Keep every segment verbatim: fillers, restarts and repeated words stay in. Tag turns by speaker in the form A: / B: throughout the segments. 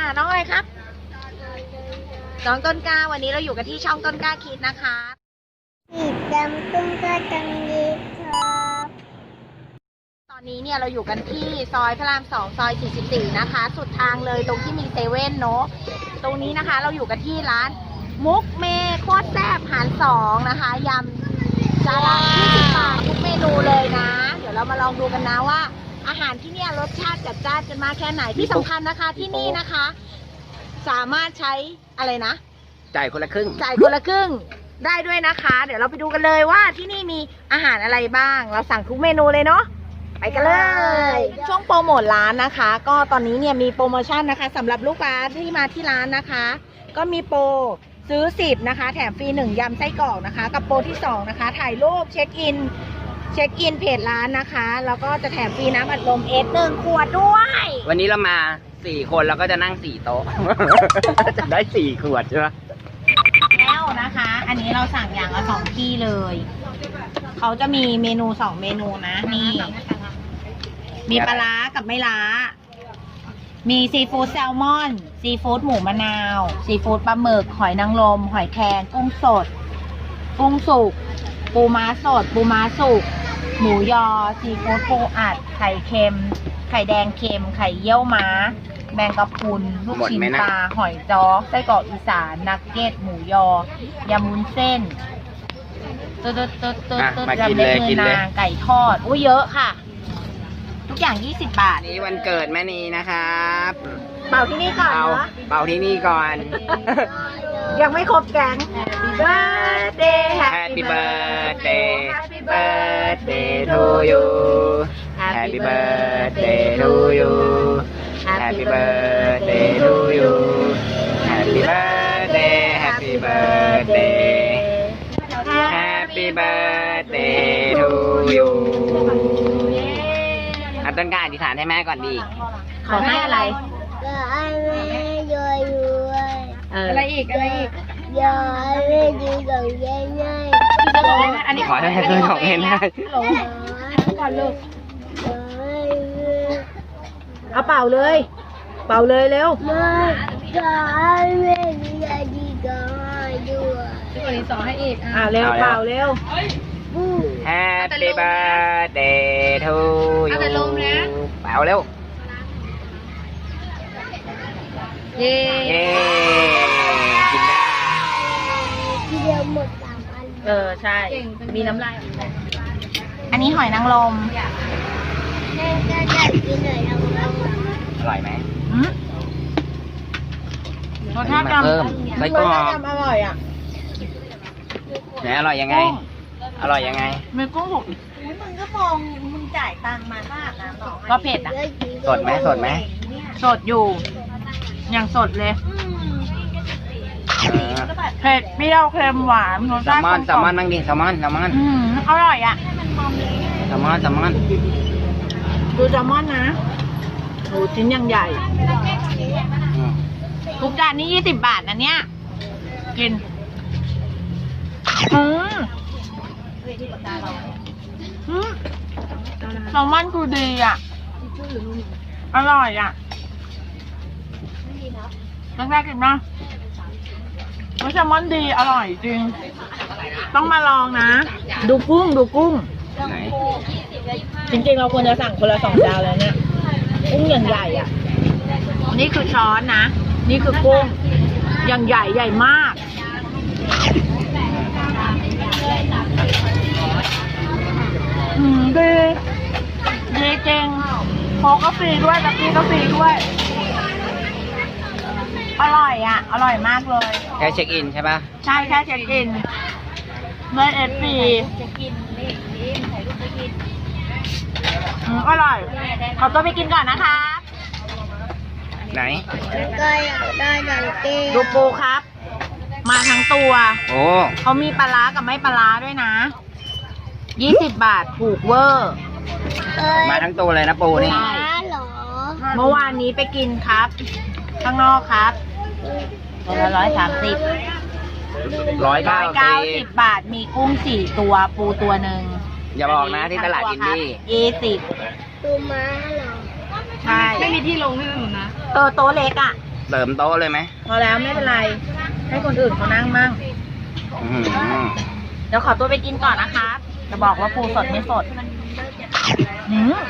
A: น้องอะไรครับน้องต้นกล้าวันนี้เราอยู่กันที่ช่องต้นกล้าคิดนะคะ
B: ติดตามต้นกล้าจังเลยครับ
A: ตอนนี้เนี่ยเราอยู่กันที่ซอยพระรามสองซอยสี่สิบสี่นะคะสุดทางเลยตรงที่มีเซเว่นเนาะตรงนี้นะคะเราอยู่กันที่ร้านมุกเมโคตรแซ่บหารสองนะคะยำจานละยี่สิบบาททุกเมนูเลยนะเดี๋ยวเรามาลองดูกันนะว่าอาหารที่เนี่ยรสชาติจัดจ้านกันมากแค่ไหนที่สำคัญนะคะที่นี่นะคะ สามารถใช้อะไรนะ
C: จ่ายคนละครึ่ง
A: จ่ายคนละครึ่งได้ด้วยนะคะเดี๋ยวเราไปดูกันเลยว่าที่นี่มีอาหารอะไรบ้างเราสั่งทุกเมนูเลยเนาะไปกันเลยช่วงโปรโมทร้านนะคะก็ตอนนี้เนี่ยมีโปรโมชั่นนะคะสำหรับลูกค้าที่มาที่ร้านนะคะก็มีโปรซื้อสิบนะคะแถมฟรีหนึ่งยำไส้กรอกนะคะกับโปรที่สองนะคะถ่ายรูปเช็คอินเช็คอินเพจร้านนะคะแล้วก็จะแถมฟรีน้ำอัดลมเอสหนึ่งขวดด้วย
C: วันนี้เรามาสี่คนแล้วก็จะนั่งสี่โต๊ะ จะได้สี่ขวดใช่ไหม
A: แล้วนะคะอันนี้เราสั่งอย่างละสองที่เลยเขาจะมีเมนูสองเมนูนะนี่มีปลาร้ากับไม่ล้ามีซีฟู้ดแซลมอนซีฟู้ดหมูมะนาวซีฟู้ดปลาหมึกหอยนางรมหอยแครงกุ้งสดกุ้งสุกปูม้าสดปูม้าสุกหมูยอซีฟู้ดปูอัดไข่เค็มไข่แดงเค็มไข่เยี่ยวม้าแมงกะพรุนลูกชิ้นปลาหอยจ้อไส้กรอกอีสานนักเก็ตหมูยอยำมุ้นเส้นตุ๊ดตุ๊ดตุ๊ดตุ๊ดตุ๊ดยำเล็บมือนางไก่ทอดอุ้ยเยอะค่ะทุกอย่างยี่สิบบาท
C: นี่วันเกิดแม่นีนะครับ
A: เป่าที่นี่ก่อนเนาะ
C: เป่าที่นี่ก่อน
A: ยังไม่ครบแก๊ง Birthday
C: Happy birthday Happy birthday to you Happy birthday to you Happy birthday to you Happy birthday Happy birthday Happy birthday to you อ่ะต้นกล้าอธิษฐานให้แม่ก่อนดี
A: ขอให้อะไร
B: ก็ให้แม่รวยรวย
A: อะไรอีกอะไรอีก
B: ยอให้แม่ดีกับยายง่าย
C: อันนี้ขอให้แม่ซื้อของเองได้
A: ก่อนลูกเอาเป่าเลยเป่าเลยเร็ว
B: ไม่ก็ให้แม่ดีดีกับด้วย
A: ที่คนนี้สอนให้อีกอ่าเร็วเป่าเร็ว
C: Happy birthday to you เป่าเร็ว
A: เย้
C: กินได้
B: ทีเดียวหมดสามอัน
A: เออใช่มีน้ำลายอันนี้หอยนางรม
B: แม่ก็อยากกินหอยนางรม
C: อร่อยไหม
A: รสชาติจำ
C: เพิ่มไส้กรอก
A: อร่อยอ่ะ
C: ไหนอร่อยยังไงอร่อยยังไง
A: มีกุ้งสุกมึงก็มองมึงจ่ายตังค์มาค่าน้ำก็เผ็ดอ่ะ
C: สดไหมสดไหม
A: สดอยู่อย่างสดเลยเผ็ดเปรี้ยวเค็มหวานรส
C: ชาติแซลมอนแซลมอนบ้างดิแซลมอนแซลมอน
A: อร่อยอ่ะ
C: แซลมอนแซลมอน
A: ดูแซลมอนนะโหชิ้นยังใหญ่ทุกจานนี้ยี่สิบบาทนะเนี่ยกินอืมแซลมอนคือดีอ่ะอร่อยอ่ะแรกๆกินนะแซลมอนดีอร่อยจริงต้องมาลองนะดูกุ้งดูกุ้งจริงๆเราควรจะสั่งคนละสองจานเลยเนี่ยกุ้งอย่างใหญ่อ่ะนี่คือช้อนนะนี่คือกุ้งอย่างใหญ่ใหญ่มากอืมดีดีจริงโค้กก็ฟรีด้วยตะกี้ก็ฟรีด้วยอร่อยอ่ะอร่อยมากเลย
C: แค่เช็คอินใช่ปะ
A: ใช่แค่เช็คอินเลยเอฟฟรีอร่อยขอตัวไปกินก่อนนะคะ
C: ไหน
B: ก็อยากได้ดังเก้
A: ดูปูครับมาทั้งตัว
C: โอ้
A: เขามีปลาร้ากับไม่ปลาร้าด้วยนะยี่สิบบาทถูกเวอร์
C: มาทั้งตัวเลยนะปูนี่
A: เมื่อวานนี้ไปกินครับข้างนอกครับตัวละร้อยสามสิบ
C: ร้อยเก้า
A: สิบบาทมีกุ้งสี่ตัวปูตัวหนึ่ง
C: อย่าบอกนะที่ตลาดอินดี้
A: ยี่สิบ
B: ตัวม้าเหรอ
A: ใช่ไม่มีที่ลงให้หนูนะเออโต๊ะเล็กอ่ะ
C: เสริมโต๊ะเลยไหม
A: พอแล้วไม่เป็นไร ให้คนอื่นเขานั่งมั่ง
C: อื้อหือ
A: เดี๋ยวขอตัวไปกินก่อนนะคะจะบอกว่าปูสดไม่สดหืม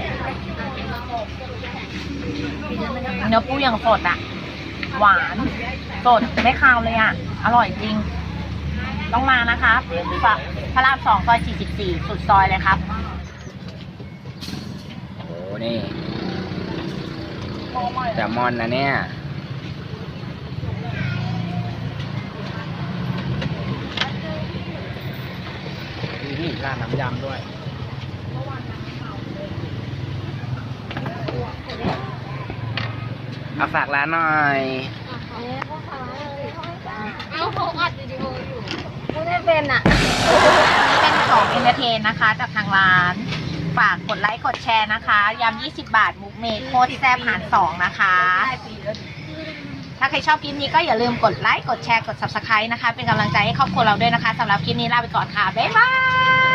A: เนื้อปูอย่างสดอ่ะ หวานสดไม่คาวเลยอ่ะ อร่อยจริง ต้องมานะครับพระรามสองซอยสี่สิบสี่สุดซอยเลยครับ
C: โอ้โหนี่แซลมอนนะเนี่ยนี่ร้านน้ำยำด้วยเอาฝากร้านหน่อย
B: เอาเขาอัดวิดีโออยู่ไม่ได้เป็นอ่ะ
A: นี่เป็นของเอนเตอร์เทนนะคะ จากทางร้าน ฝากกดไลค์กดแชร์นะคะยำยี่สิบบาทมุกเมดโคตรแซ่บหารสองนะคะ ถ้าใครชอบคลิปนี้ก็อย่าลืมกดไลค์กดแชร์กด ซับสไครบ์ นะคะ เป็นกำลังใจให้ครอบครัวเราด้วยนะคะสำหรับคลิปนี้ลาไปก่อนค่ะ บ๊ายบาย